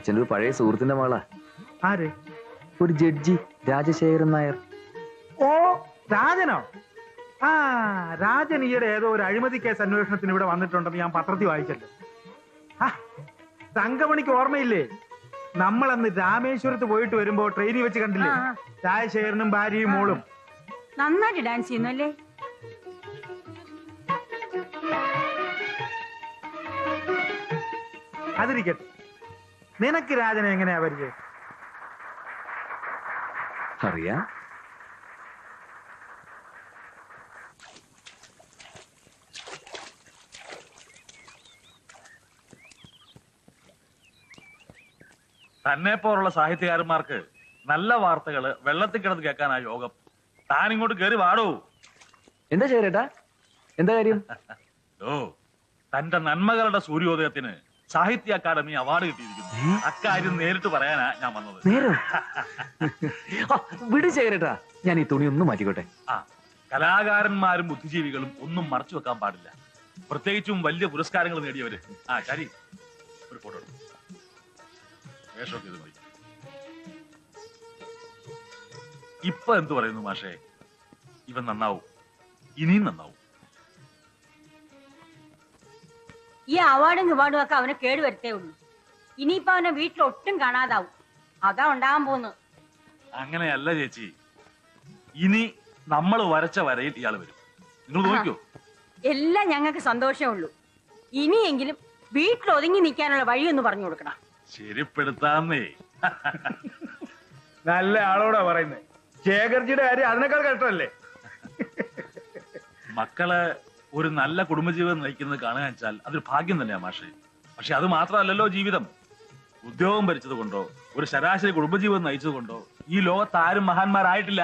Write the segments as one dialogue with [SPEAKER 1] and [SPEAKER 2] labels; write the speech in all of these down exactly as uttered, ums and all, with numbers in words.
[SPEAKER 1] അച്ഛൻ്റെ ഒരു പഴയ സുഹൃത്തിന്റെ മകളാ.
[SPEAKER 2] ആര്?
[SPEAKER 1] ഒരു ജഡ്ജി, രാജശേഖരൻ നായർ.
[SPEAKER 2] ഓ, രാജനോ? ആ, രാജൻ ഈയിടെ ഏതോ ഒരു അഴിമതി കേസ് അന്വേഷണത്തിന് ഇവിടെ വന്നിട്ടുണ്ടെന്ന് ഞാൻ പത്രത്തിൽ വായിച്ചല്ലോ. ആ, തങ്കമണിക്ക് ഓർമ്മയില്ലേ? നമ്മളന്ന് രാമേശ്വരത്ത് പോയിട്ട് വരുമ്പോ ട്രെയിനിൽ വെച്ച് കണ്ടില്ലേ രാജശേഖരനും ഭാര്യയും മോളും?
[SPEAKER 3] നന്നായിട്ട് ഡാൻസ് ചെയ്യുന്നല്ലേ?
[SPEAKER 2] അതിരിക്കട്ടെ, നിനക്ക് രാജനെ എങ്ങനെയാ പരിചയം?
[SPEAKER 1] അറിയാം.
[SPEAKER 4] തന്നെ പോലുള്ള സാഹിത്യകാരന്മാർക്ക് നല്ല വാർത്തകള് വെള്ളത്തിൽ കിടന്ന് കേൾക്കാനാ യോഗം. താൻ ഇങ്ങോട്ട് കയറി വാടൂ.
[SPEAKER 1] എന്താ ശേഖരേട്ടാ, എന്താ കാര്യം?
[SPEAKER 4] ഓ, തന്റെ നന്മകളുടെ സൂര്യോദയത്തിന് സാഹിത്യ അക്കാദമി അവാർഡ് കിട്ടിയിരിക്കുന്നു. അക്കാര്യം നേരിട്ട് പറയാനാ ഞാൻ വന്നത്.
[SPEAKER 1] നേരോ? വിട് ശേഖരേട്ടാ, ഞാൻ ഈ തുണി ഒന്ന് മാറ്റിക്കോട്ടെ.
[SPEAKER 4] ആ, കലാകാരന്മാരും ബുദ്ധിജീവികളും ഒന്നും മറച്ചു വെക്കാൻ പാടില്ല, പ്രത്യേകിച്ചും വലിയ പുരസ്കാരങ്ങൾ നേടിയവര്. ആ ശരി, ഒരു ഫോട്ടോ എടുക്കും. വേഷമൊക്കെ ഇത് മതി. ഇപ്പൊ എന്തു പറയുന്നു മാഷേ? ഇവൻ നന്നാവും, ഇനിയും നന്നാവും.
[SPEAKER 3] ഈ അവാർഡും ഇവാർഡും ഒക്കെ അവനെ കേടുവരുത്തേ ഉള്ളൂ. ഇനിയിപ്പോ അവനെ വീട്ടിൽ ഒട്ടും കാണാതാവും. അതാ ഉണ്ടാകാൻ പോകുന്നത്.
[SPEAKER 4] അങ്ങനെയല്ല ചേച്ചി, ഇനി നമ്മൾ വരച്ച വരയിൽ ഇയാൾ വരും. നിങ്ങൾ നോക്കിയോ?
[SPEAKER 3] എല്ലാം ഞങ്ങൾക്ക് സന്തോഷമേ ഉള്ളൂ. ഇനിയെങ്കിലും വീട്ടിൽ ഒതുങ്ങി നിൽക്കാനുള്ള വഴിയൊന്ന് പറഞ്ഞു കൊടുക്കണം.
[SPEAKER 4] ശരിപ്പെടുത്താന്നേ.
[SPEAKER 2] നല്ല ആളോടാ പറയുന്നത്. ശേഖർജിയുടെ കാര്യം അതിനേക്കാൾ കഷ്ടമല്ലേ?
[SPEAKER 4] മക്കളെ ഒരു നല്ല കുടുംബജീവിതം നയിക്കുന്നത് കാണുക വെച്ചാൽ അതൊരു ഭാഗ്യം തന്നെയാ മാഷേ. പക്ഷെ അത് മാത്രമല്ലല്ലോ ജീവിതം. ഉദ്യോഗം ഭരിച്ചത് കൊണ്ടോ ഒരു ശരാശരി കുടുംബജീവിതം നയിച്ചത് കൊണ്ടോ ഈ ലോകത്ത് ആരും മഹാന്മാരായിട്ടില്ല.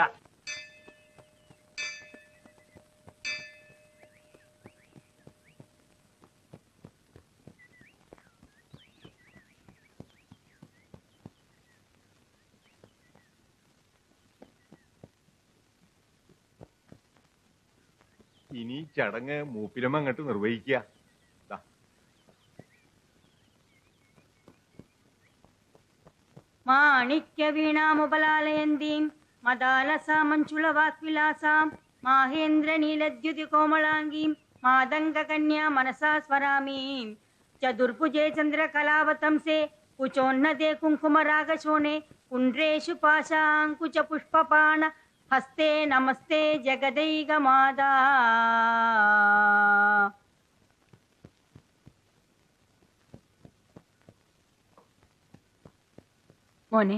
[SPEAKER 5] ഇനി ചടങ്ങ് മൂപ്പിലമ്മ അങ്ങോട്ട് നിർവഹിക്കുക.
[SPEAKER 3] മാണിക്യ വീണാമുപലാലയന്തീം മദാലസാമഞ്ചുള വാക്വിലാസാം മാഹേന്ദ്ര നീലദ്യുതി കോമളാംഗീം മാതംഗ കന്യാ മനസാ സ്വരാമീം ചതുർഭുജേ ചന്ദ്രകലാവതംസേ കുചോന്നതേ കുങ്കുമരാഗശോണേ കുണ്ട്രേഷു പാശാങ്കുച പുഷ്പപാണ ഹസ്തേ നമസ്തേ ജഗദൈക മാതാ. മോനെ,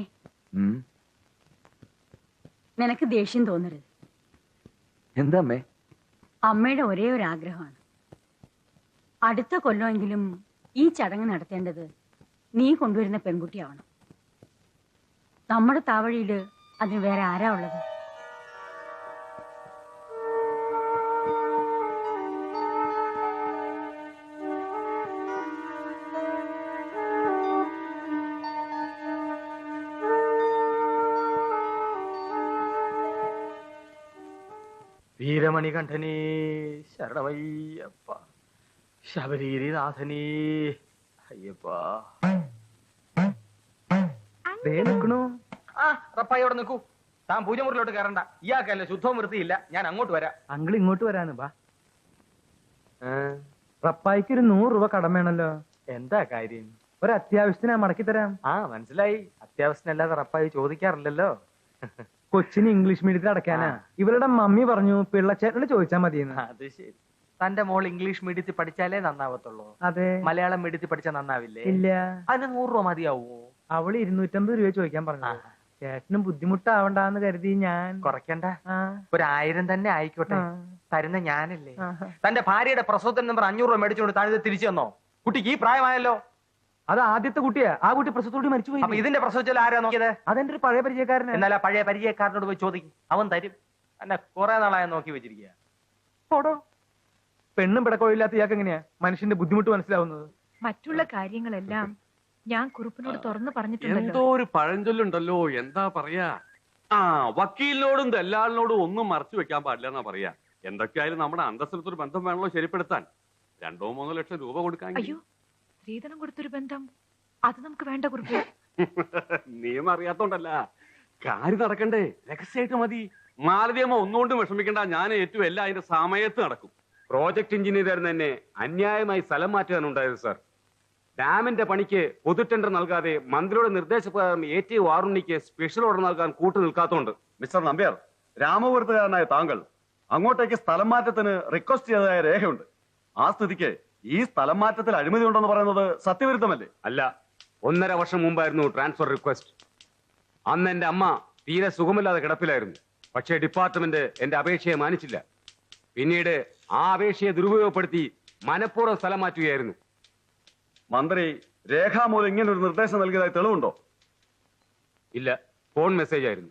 [SPEAKER 3] നിനക്ക് ദേഷ്യം തോന്നരുത്.
[SPEAKER 1] എന്താ അമ്മേ?
[SPEAKER 3] അമ്മയുടെ ഒരേ ഒരു ആഗ്രഹമാണ്, അടുത്ത കൊല്ലമെങ്കിലും ഈ ചടങ്ങ് നടത്തേണ്ടത് നീ കൊണ്ടുവരുന്ന പെൺകുട്ടിയാവണം. നമ്മുടെ താവഴിയില് അതിന് വേറെ ആരാ ഉള്ളത്?
[SPEAKER 2] വീരമണികണ്ഠനീ ശരണമയ്യപ്പ, ശബരീനാഥനീ അയ്യപ്പ. നിൽക്കണു.
[SPEAKER 6] ആ റപ്പായി അവിടെ നിൽക്കൂ. താൻ പൂജമുറിലോട്ട് കയറണ്ട. ഇയാൾക്കല്ലേ ശുദ്ധവും വൃത്തിയില്ല. ഞാൻ അങ്ങോട്ട് വരാം.
[SPEAKER 2] അങ്കിൾ ഇങ്ങോട്ട് വരാന്ന് ബാ. റപ്പായിക്ക് ഒരു നൂറ് രൂപ കടം വേണല്ലോ.
[SPEAKER 6] എന്താ കാര്യം?
[SPEAKER 2] ഒരു അത്യാവശ്യത്തിന് മടക്കി തരാം.
[SPEAKER 6] ആ മനസ്സിലായി. അത്യാവശ്യത്തിനല്ലാതെ റപ്പായി ചോദിക്കാറില്ലല്ലോ.
[SPEAKER 2] കൊച്ചിന് ഇംഗ്ലീഷ് മീഡിയത്തിൽ അടയ്ക്കാനാ. ഇവരുടെ മമ്മി പറഞ്ഞു പിള്ളച്ചേട്ടനോട് ചോദിച്ചാൽ മതിയെന്ന്.
[SPEAKER 6] അത് ശരി. തന്റെ മോൾ ഇംഗ്ലീഷ് മീഡിയത്തിൽ പഠിച്ചാലേ നന്നാവത്തുള്ളൂ.
[SPEAKER 2] അതെ.
[SPEAKER 6] മലയാളം മീഡിയത്തിൽ പഠിച്ചാൽ നന്നാവില്ലേ?
[SPEAKER 2] ഇല്ല.
[SPEAKER 6] അതിന് നൂറ് രൂപ മതിയാവോ?
[SPEAKER 2] അവള് ഇരുന്നൂറ്റമ്പത് രൂപ ചോദിക്കാൻ പറഞ്ഞു. ചേട്ടനും ബുദ്ധിമുട്ടാവണ്ടെന്ന് കരുതി ഞാൻ
[SPEAKER 6] കുറയ്ക്കണ്ട. ഒരു ആയിരം തന്നെ ആയിക്കോട്ടെ. തരുന്ന ഞാനല്ലേ. തന്റെ ഭാര്യയുടെ പ്രസവത്തിന് നമ്പർ അഞ്ഞൂറ് രൂപ മേടിച്ചുകൊണ്ട് താഴെ തിരിച്ചു തന്നോ? കുട്ടിക്ക് ഈ പ്രായമായല്ലോ.
[SPEAKER 2] അത് ആദ്യത്തെ കുട്ടിയാ. ആ കുട്ടി പ്രസവത്തോട് മരിച്ചുപോയി.
[SPEAKER 6] അപ്പൊ ഇതിന്റെ പ്രസവിച്ചാൽ ആരാ നോക്കിയത്?
[SPEAKER 2] അതെന്റെ ഒരു പഴയ പരിചയക്കാരൻ.
[SPEAKER 6] എന്നാൽ ആ പഴയ പരിചയക്കാരനോട് പോയി ചോദിക്കും, അവൻ തരും. എന്നെ കുറെ നാളായ നോക്കി വെച്ചിരിക്കുക.
[SPEAKER 2] ഓടോ, പെണ്ണും പിടക്കോയില്ലാത്ത ഇയാൾക്ക് എങ്ങനെയാ മനുഷ്യന്റെ ബുദ്ധിമുട്ട് മനസ്സിലാവുന്നത്?
[SPEAKER 7] മറ്റുള്ള കാര്യങ്ങളെല്ലാം ഞാൻ കുറുപ്പിനോട് തുറന്നു പറഞ്ഞിട്ടുണ്ടല്ലോ.
[SPEAKER 8] എന്തോ ഒരു പഴഞ്ചൊല്ലുണ്ടല്ലോ, എന്താ പറയാ? ആ, വക്കീലിനോടും ദല്ലാളിനോടും ഒന്നും മറച്ചു വെക്കാൻ പാടില്ല എന്നാ പറയാ. എന്തൊക്കെയായാലും നമ്മുടെ അന്തസ്സിലത്തൊരു ബന്ധം വേണല്ലോ ശരിപ്പെടുത്താൻ. രണ്ടോ മൂന്നോ ലക്ഷം രൂപ കൊടുക്കാൻ.
[SPEAKER 7] അയ്യോ, സ്ത്രീധനം കൊടുത്തൊരു ബന്ധം അത് നമുക്ക് വേണ്ട കുറിപ്പ്.
[SPEAKER 8] നിയമം അറിയാത്തോണ്ടല്ല, കാര്യം നടക്കണ്ടേ, രഹസ്യമായിട്ട് മതി. മാലതിയമ്മ ഒന്നുകൊണ്ടും വിഷമിക്കണ്ട, ഞാൻ ഏറ്റവും എല്ലാം അതിന്റെ സമയത്ത് നടക്കും. പ്രോജക്ട് എഞ്ചിനീയർ തന്നെ അന്യായമായി സ്ഥലം മാറ്റാനുണ്ടായത് സാർ. ഡാമിന്റെ പണിക്ക് പൊതു ടെൻഡർ നൽകാതെ മന്ത്രിയുടെ നിർദ്ദേശപ്രകാരം എ ടി വാറുണ്ണിക്ക് സ്പെഷ്യൽ ഓർഡർ നൽകാൻ കൂട്ടു നിൽക്കാത്തോണ്ട്.
[SPEAKER 9] മിസ്റ്റർ നമ്പ്യാർ, രാമപുരത്തുകാരനായ താങ്കൾ അങ്ങോട്ടേക്ക് സ്ഥലം മാറ്റത്തിന് റിക്വസ്റ്റ് ചെയ്തതായ രേഖയുണ്ട്. ആ സ്ഥിതിക്ക് ഈ സ്ഥലം മാറ്റത്തിൽ അഴിമതി ഉണ്ടെന്ന് പറയുന്നത് സത്യവിരുദ്ധമല്ലേ?
[SPEAKER 8] അല്ല, ഒന്നര വർഷം മുമ്പായിരുന്നു ട്രാൻസ്ഫർ റിക്വസ്റ്റ്. അന്ന് എന്റെ അമ്മ തീരെ സുഖമില്ലാതെ കിടപ്പിലായിരുന്നു. പക്ഷേ ഡിപ്പാർട്ട്മെന്റ് എന്റെ അപേക്ഷയെ മാനിച്ചില്ല. പിന്നീട് ആ അപേക്ഷയെ ദുരുപയോഗപ്പെടുത്തി മനഃപൂർവ്വം സ്ഥലം മാറ്റുകയായിരുന്നു.
[SPEAKER 9] മന്ത്രി രേഖാമൂലം ഇങ്ങനെ ഒരു നിർദ്ദേശം നൽകിയതായി തെളിവുണ്ടോ?
[SPEAKER 8] ഇല്ല, ഫോൺ മെസ്സേജ് ആയിരുന്നു.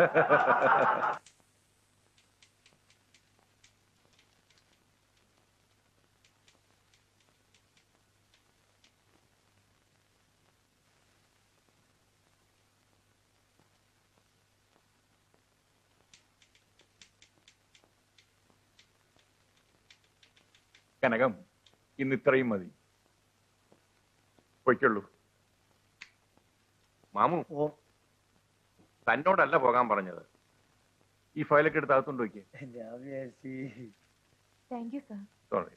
[SPEAKER 5] കനകം, ഇന്ന് ഇത്രയും മതി. പൊയ്ക്കുള്ളൂ. മാമു, തന്നോടല്ല പോകാൻ പറഞ്ഞത്. ഈ ഫയലൊക്കെ എടുത്ത് അകത്തോണ്ട് വയ്ക്കുക.
[SPEAKER 7] Thank you sir.
[SPEAKER 5] സോറി.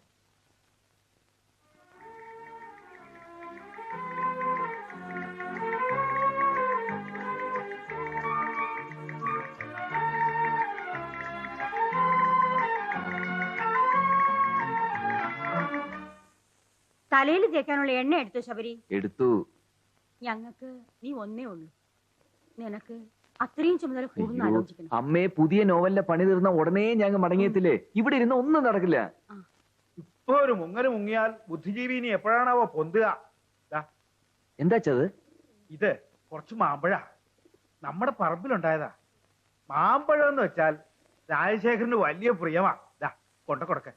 [SPEAKER 3] തലയിൽ തേക്കാനുള്ള എണ്ണ എടുത്തു ശബരി?
[SPEAKER 1] എടുത്തു.
[SPEAKER 3] ഞങ്ങൾക്ക് നീ ഒന്നേ ഉള്ളൂ. നിനക്ക് അത്രയും ചുമതല കൂടുന്ന ആലോചിക്കണം.
[SPEAKER 1] അമ്മയെ പുതിയ നോവലിന്റെ പണി തീർന്ന ഉടനെ ഞങ്ങൾ മടങ്ങിയെത്തില്ലേ? ഇവിടെ ഇരുന്ന് ഒന്നും നടക്കില്ല.
[SPEAKER 2] ഇപ്പൊ ഒരു മുങ്ങല് മുങ്ങിയാൽ ബുദ്ധിജീവി ഇനി എപ്പോഴാണാവോ പൊന്തുക?
[SPEAKER 1] എന്താ ചത്?
[SPEAKER 2] ഇത് കുറച്ച് മാമ്പഴ നമ്മുടെ പറമ്പിലുണ്ടായതാ. മാമ്പഴം എന്ന് വെച്ചാൽ രാജശേഖരന് വലിയ പ്രിയമാ. ദാ കൊണ്ട കൊടുക്ക.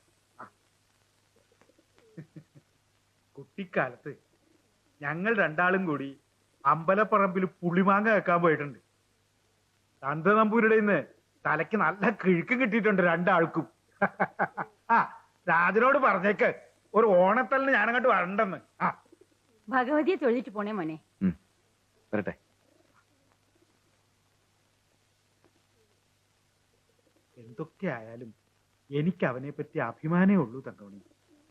[SPEAKER 2] കുട്ടിക്കാലത്ത് ഞങ്ങൾ രണ്ടാളും കൂടി അമ്പലപ്പറമ്പിൽ പുളിമാങ്ങ വെക്കാൻ പോയിട്ടുണ്ട്. തന്തനമ്പൂരുടെ ഇന്ന് തലയ്ക്ക് നല്ല കിഴുക്ക് കിട്ടിയിട്ടുണ്ട് രണ്ടാൾക്കും. ആ രാജനോട് പറഞ്ഞേക്ക് ഒരു ഓണത്തലിന് ഞാനങ്ങോട്ട് വരണ്ടെന്ന്. ആ
[SPEAKER 3] ഭഗവതിയെ തൊഴുതിട്ട് പോണേ മോനെ.
[SPEAKER 1] വരട്ടെ.
[SPEAKER 2] എന്തൊക്കെ ആയാലും എനിക്ക് അവനെ പറ്റി അഭിമാനേ ഉള്ളൂ തങ്കമണി.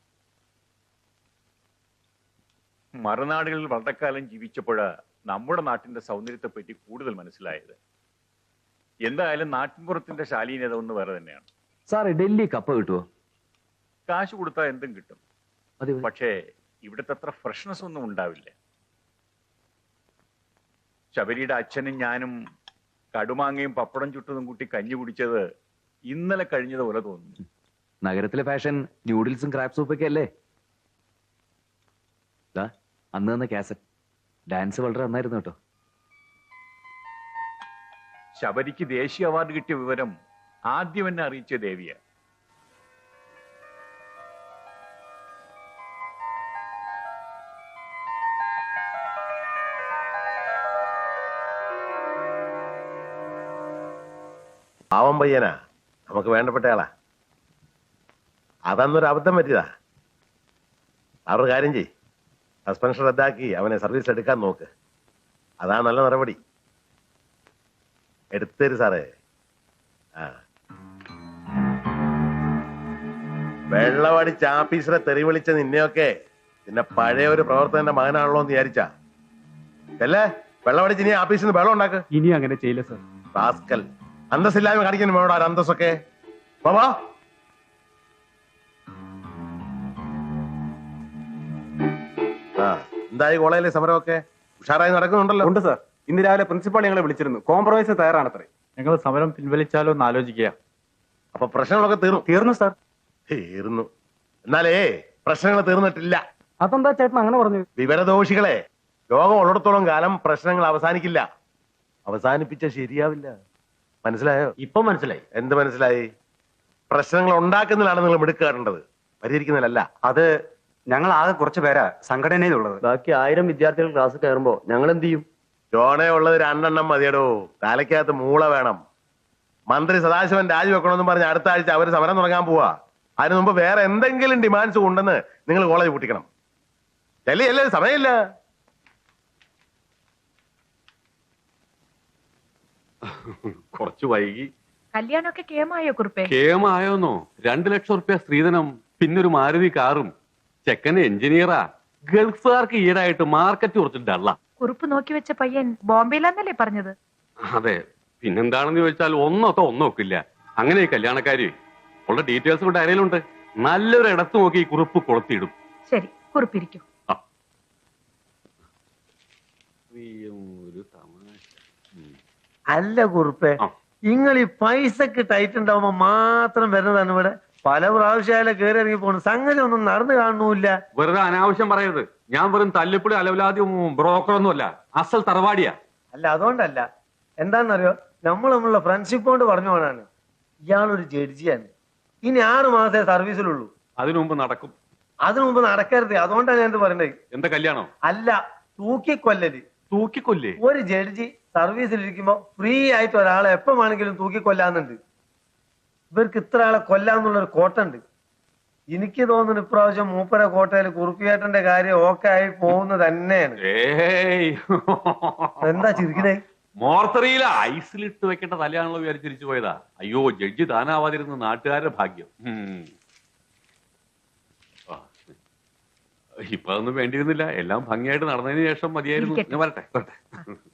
[SPEAKER 5] മറുനാടുകളിൽ വളരെക്കാലം ജീവിച്ചപ്പോഴാ നമ്മുടെ നാട്ടിന്റെ സൗന്ദര്യത്തെ പറ്റി കൂടുതൽ മനസ്സിലായത്. എന്തായാലും നാട്ടിൻപുറത്തിന്റെ ശാലീനത ഒന്ന് വേറെ തന്നെയാണ്.
[SPEAKER 1] സാറേ, ഡൽഹി കപ്പ കിട്ടുമോ?
[SPEAKER 5] കാശ് കൊടുത്താൽ എന്തും കിട്ടും.
[SPEAKER 1] അതെ.
[SPEAKER 5] പക്ഷേ ഇവിടുത്തെ അത്ര ഫ്രഷ്നെസ് ഒന്നും ഉണ്ടാവില്ല. ശബരിയുടെ അച്ഛനും ഞാനും കടുമാങ്ങയും പപ്പടം ചുട്ടതും കൂട്ടി കഞ്ഞി കുടിച്ചത് ഇന്നലെ കഴിഞ്ഞതുപോലെ തോന്നുന്നു.
[SPEAKER 1] നഗരത്തിലെ ഫാഷൻ ന്യൂഡിൽസും ക്രാബ് സൂപ്പൊക്കെ അല്ലേ? അന്ന് തന്ന കാസറ്റ് ഡാൻസ് വളരെ നന്നായിരുന്നു കേട്ടോ.
[SPEAKER 5] ശബരിക്ക് ദേശീയ അവാർഡ് കിട്ടിയ വിവരം ആദ്യം എന്നെ അറിയിച്ച ദേവിയ.
[SPEAKER 10] പാവം പയ്യനാ, നമുക്ക് വേണ്ടപ്പെട്ടയാളാ. അതന്നൊരു അബദ്ധം പറ്റിയതാ. അവരുടെ കാര്യം ചെയ്, സസ്പെൻഷൻ റദ്ദാക്കി അവനെ സർവീസ് എടുക്കാൻ നോക്ക്. അതാ നല്ല നടപടി. എടുത്തരു സാറേ. ആ വെള്ളമടിച്ച് ആഫീസറെ തെറി വിളിച്ച നിന്നെയൊക്കെ പിന്നെ പഴയ ഒരു പ്രവർത്തകന്റെ മകനാണല്ലോ എന്ന് വിചാരിച്ചാ അല്ലേ? വെള്ളമടിച്ച് ഇനി ആഫീസിൽ നിന്ന് വെള്ളം ഉണ്ടാക്ക്.
[SPEAKER 11] ഇനി അങ്ങനെ ചെയ്യില്ല സർ.
[SPEAKER 10] റാസ്കൽ, അന്തസ്സില്ലായ്മ കാണിക്കുന്നു വേണോ ഒരു അന്തസ്സൊക്കെ. ബാബാ ആ എന്തായി കോളേജിലെ സമരമൊക്കെ ഉഷാറായി നടക്കുന്നുണ്ടല്ലോ?
[SPEAKER 11] ഉണ്ട് സാർ. ഇന്ന് രാവിലെ പ്രിൻസിപ്പാൾ ഞങ്ങളെ വിളിച്ചിരുന്നു. കോംപ്രമൈസ് തയ്യാറാണത്രേ. ഞങ്ങൾ സമരം പിൻവലിച്ചാലോ എന്ന് ആലോചിക്കുക.
[SPEAKER 10] അപ്പൊ പ്രശ്നങ്ങളൊക്കെ തീർന്നു?
[SPEAKER 11] തീർന്നു സാർ.
[SPEAKER 10] തീർന്നു. എന്നാലേ പ്രശ്നങ്ങൾ തീർന്നിട്ടില്ല.
[SPEAKER 11] അതെന്താ ചേട്ടൻ അങ്ങനെ പറഞ്ഞു?
[SPEAKER 10] വിവരദോഷികളെ, ലോകം ഉള്ളിടത്തോളം കാലം പ്രശ്നങ്ങൾ അവസാനിക്കില്ല. അവസാനിപ്പിച്ച ശരിയാവില്ല. മനസ്സിലായോ?
[SPEAKER 11] ഇപ്പൊ മനസ്സിലായി.
[SPEAKER 10] എന്ത് മനസ്സിലായി? പ്രശ്നങ്ങൾ ഉണ്ടാക്കുന്നതിലാണ് നിങ്ങൾ മിടുക്കാറുണ്ടത്, പരിഹരിക്കുന്നതിലല്ല.
[SPEAKER 11] അത് ഞങ്ങൾ ആകെ കുറച്ച് പേരാ സംഘടനയിലുള്ളത്. ബാക്കി ആയിരം വിദ്യാർത്ഥികൾ ക്ലാസ് കയറുമ്പോ ഞങ്ങൾ എന്ത് ചെയ്യും?
[SPEAKER 10] ജോണേ ഉള്ളത് രണ്ടെണ്ണം മതിയടോ. തലയ്ക്കകത്ത് മൂള വേണം. മന്ത്രി സദാശിവൻ രാജിവെക്കണമെന്ന് പറഞ്ഞ് അടുത്ത ആഴ്ച അവര് സമരം തുടങ്ങാൻ പോവാ. അതിന് മുമ്പ് വേറെ എന്തെങ്കിലും ഡിമാൻഡ്സ് ഉണ്ടെന്ന് നിങ്ങൾ കോളേജ് പൂട്ടിക്കണം. ചെല്ലി അല്ലേ? സമയമില്ല.
[SPEAKER 8] കുറച്ച് വൈകി.
[SPEAKER 7] കല്യാണമൊക്കെ കേമായോ കുറുപ്പേ?
[SPEAKER 8] കേമായോന്നോ? രണ്ടു ലക്ഷം റുപ്യ സ്ത്രീധനം, പിന്നൊരു മാരുതി കാറും. ചെക്കന് എഞ്ചിനീയറാ. ഗൾഫുകാർക്ക് ഈടായിട്ട് മാർക്കറ്റ് കുറച്ച് ഡള്ള.
[SPEAKER 7] കുറുപ്പ് നോക്കി വെച്ച പയ്യൻ ബോംബെയിലാന്നല്ലേ പറഞ്ഞത്?
[SPEAKER 8] അതെ, പിന്നെന്താണെന്ന് ചോദിച്ചാൽ ഒന്നൊക്കെ ഒന്നൊക്കില്ല. അങ്ങനെ ഈ കല്യാണക്കാരി ഉള്ള ഡീറ്റെയിൽസ് കൂടെ അരയിലുണ്ട്. നല്ലൊരു ഇടത്ത് നോക്കി ഈ കുറിപ്പ് കൊളുത്തിയിടും.
[SPEAKER 7] ശരി, കുറുപ്പിരിക്കും.
[SPEAKER 8] ഒരു തമാശ.
[SPEAKER 12] അല്ല കുറുപ്പേ, നിങ്ങൾ ഈ പൈസക്ക് ടൈറ്റ് ഉണ്ടാവുമ്പോ മാത്രം വരുന്നതാണ് ഇവിടെ. പല പ്രാവശ്യം കയറി ഇറങ്ങി പോണു. സംഗതി ഒന്നും നടന്നു കാണുന്നില്ല.
[SPEAKER 8] വെറുതെ അനാവശ്യം പറയരുത്. ഞാൻ വെറും തല്ലിപ്പൊടി അലവലാദ്യം ബ്രോക്കറൊന്നും അല്ല, അസൽ തറവാടിയാ.
[SPEAKER 12] അല്ല, അതുകൊണ്ടല്ല. എന്താണെന്നറിയോ, നമ്മൾ നമ്മളുടെ ഫ്രണ്ട്ഷിപ്പ് കൊണ്ട് പറഞ്ഞു പോണാണ്. ഇയാളൊരു ജഡ്ജിയാണ്. ഇനി ആറ് മാസേ സർവീസിലുള്ളൂ.
[SPEAKER 8] അതിനു മുമ്പ് നടക്കും.
[SPEAKER 12] അതിനു മുമ്പ് നടക്കരുത്. അതുകൊണ്ടാണ് ഞാൻ പറയണ്ടത്.
[SPEAKER 8] എന്താ കല്യാണോ?
[SPEAKER 12] അല്ല, തൂക്കിക്കൊല്ലല്.
[SPEAKER 8] തൂക്കിക്കൊല്ലേ?
[SPEAKER 12] ഒരു ജഡ്ജി സർവീസിലിരിക്കുമ്പോ ഫ്രീ ആയിട്ട് ഒരാളെ എപ്പം വേണമെങ്കിലും തൂക്കിക്കൊല്ലാന്നുണ്ട്. ഇവർക്ക് ഇത്ര ആളെ കൊല്ലാന്നുള്ളൊരു കോട്ടുണ്ട്. എനിക്ക് തോന്നുന്നു ഇപ്രാവശ്യം മൂപ്പര കോട്ടയിൽ കുറുപ്പിയേട്ടന്റെ കാര്യം ഓക്കെ ആയി പോകുന്നത് തന്നെയാണ്. എന്താ ചിരിക്കണേ?
[SPEAKER 8] മോർത്തറിയില ഐസിലിട്ട് വെക്കേണ്ട തലയാണല്ലോ വിചാരിച്ചിരിച്ചു പോയതാ. അയ്യോ, ജഡ്ജി താനാവാതിരുന്ന നാട്ടുകാരുടെ ഭാഗ്യം. ഇപ്പൊ അതൊന്നും വേണ്ടിയിരുന്നില്ല. എല്ലാം ഭംഗിയായിട്ട് നടന്നതിന് ശേഷം മതിയായിരുന്നു. ഞാൻ വരട്ടെ വരട്ടെ